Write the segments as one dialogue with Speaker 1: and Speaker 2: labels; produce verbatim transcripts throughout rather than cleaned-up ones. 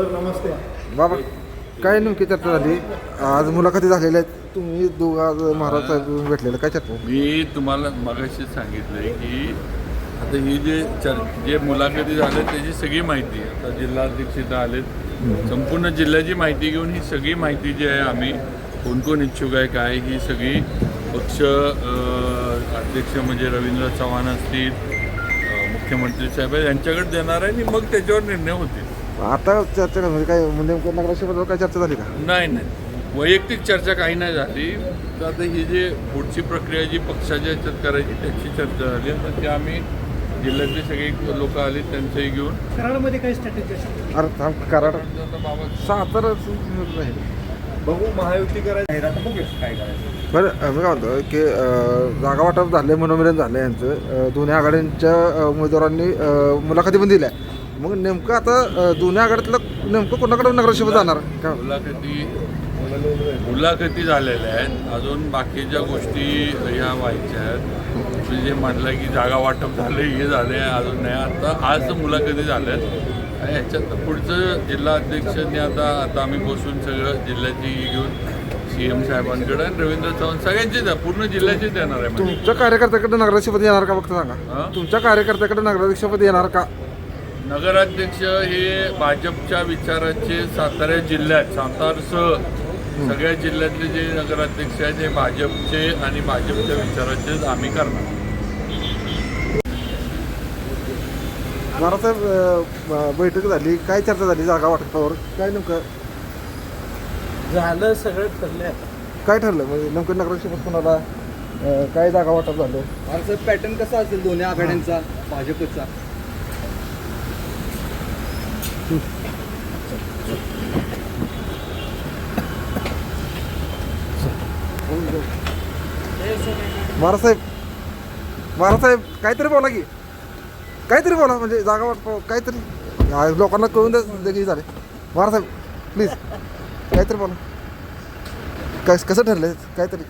Speaker 1: Sir नमस्ते.
Speaker 2: बाबा काय नेमकी चर्चा झाली आज? मुलाखती झालेल्या आहेत, तुम्ही दोघं आज महाराज साहेब भेटलेलं, काय चर्चा?
Speaker 3: मी तुम्हाला मगाशी सांगितलंय की आता ही जे चर जे मुलाखती झाल्या त्याची सगळी माहिती आता जिल्हाध्यक्ष इथं आलेत, संपूर्ण जिल्ह्याची माहिती घेऊन ही सगळी माहिती जी आहे आम्ही कोण कोण इच्छुक आहे काय ही सगळी पक्ष अध्यक्ष म्हणजे रवींद्र चव्हाण असतील, मुख्यमंत्री साहेब यांच्याकडे देणार आहे आणि मग त्याच्यावर निर्णय होतील.
Speaker 2: आता चर्चा म्हणजे काय नेमकं नगराध्यक्षाबद्दल काय चर्चा झाली का?
Speaker 3: नाही नाही वैयक्तिक चर्चा काही नाही झाली. तर आता ही जी पुढची प्रक्रिया जी पक्षाच्या ह्याच्यात करायची त्याची चर्चा झाली. तर ते आम्ही जिल्ह्यातले सगळे लोक आले त्यांचंही घेऊन
Speaker 1: कराडमध्ये काही स्ट्रॅटेजी
Speaker 2: अरे कराड
Speaker 3: बाबा
Speaker 2: सातारा
Speaker 1: बघू महायुती करायची बघू काय करायचं.
Speaker 2: बरं मी काय म्हणतो की जागा वाटप झाले, मनोमिलन झालं यांचं, दोन्ही आघाड्यांच्या उमेदवारांनी मुलाखती पण दिल्या. मग नेमकं आता दोन्ही आघाड्यातलं नेमकं कोणाकडे नगराध्यक्ष जाणार का?
Speaker 3: मुलाखती मुलाखती झालेल्या आहेत, अजून बाकीच्या गोष्टी ह्या व्हायच्या आहेत. तुम्ही जे म्हटलं की जागा वाटप झालं हे झालं आहे अजून नाही. आता आज मुलाखती झाल्या आहेत आणि ह्याच्यात पुढचं जिल्हा अध्यक्षांनी आता आता आम्ही बसून सगळं जिल्ह्याची घेऊन सी एम साहेबांकडे आणि रवींद्र चव्हाण सगळ्यांचीच आहे, पूर्ण जिल्ह्याचीच येणार आहे. म्हणजे
Speaker 2: तुमच्या कार्यकर्त्याकडे नगराध्यक्षपदी येणार का फक्त सांगा? तुमच्या कार्यकर्त्याकडे नगराध्यक्षपदी येणार का?
Speaker 3: नगराध्यक्ष हे भाजपच्या विचाराचे सातारा जिल्ह्यात सातारसह सगळ्या जिल्ह्यातले जे नगराध्यक्ष आहेत हे भाजपचे आणि भाजपच्या विचाराचेच आम्ही करणार.
Speaker 2: महाराजसाहेब बैठक झाली, काय चर्चा झाली जागा वाटपावर? काय नेमकं
Speaker 1: झालं सगळं ठरलं.
Speaker 2: काय ठरलं म्हणजे नेमकं नगराध्यक्ष कोणाला काय जागा वाटप झालं?
Speaker 1: असं पॅटर्न कसा असेल दोन्ही आघाड्यांचा भाजपचा?
Speaker 2: महाराजसाहेब महाराजसाहेब काहीतरी बोला की, काहीतरी बोला म्हणजे जागा वाटप काहीतरी लोकांना कळून द्या की झाले. महाराजसाहेब प्लीज काहीतरी बोला, कस कसं ठरलं काहीतरी?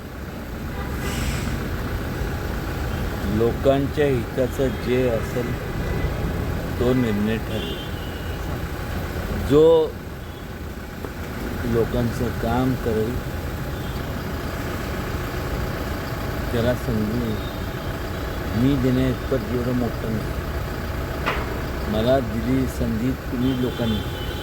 Speaker 4: लोकांच्या हिताचं जे असेल तो निर्णय ठरला. जो लोकांचं काम करेल त्याला संधी मी देण्याइतपत एवढं मोठं नाही. मला दिली संधी तुम्ही लोकांनी,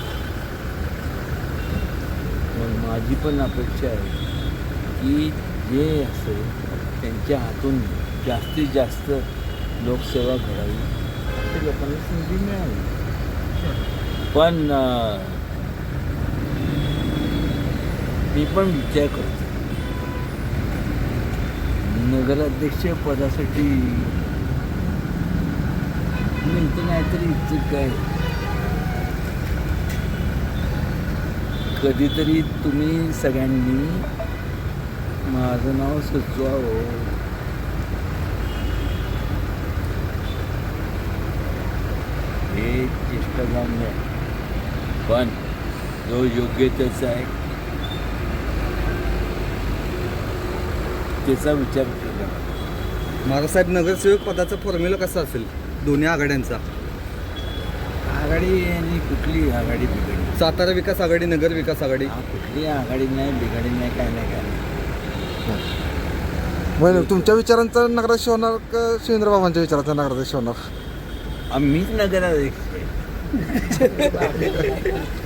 Speaker 4: मग माझी पण अपेक्षा आहे की जे असेल त्यांच्या हातून जास्तीत जास्त लोकसेवा घडावी, अशा लोकांना संधी मिळावी. पण मी पण विचार करतो नगराध्यक्ष पदासाठी मिळतं नाहीतरी इच्छुक काय. कधीतरी तुम्ही सगळ्यांनी माझं नाव सुचवावं. हे चेष्टा जाऊन नाही, पण जो योग्य त्याचा आहे त्याचा विचार केला.
Speaker 1: महाराजसाहेब नगरसेवक पदाचा फॉर्म्युला कसा असेल दोन्ही आघाड्यांचा?
Speaker 4: आघाडी आणि कुठली आघाडी बिघाडी?
Speaker 1: सातारा विकास आघाडी, नगर विकास आघाडी.
Speaker 4: हा, कुठली आघाडी नाही बिघाडी नाही, काय नाही काय नाही.
Speaker 2: मग तुमच्या विचारांचा नगराध्यक्ष होणार का शिवेंद्रबाबांच्या विचारांचा नगराध्यक्ष होणार?
Speaker 4: आम्हीच नगराध्यक्ष आहे.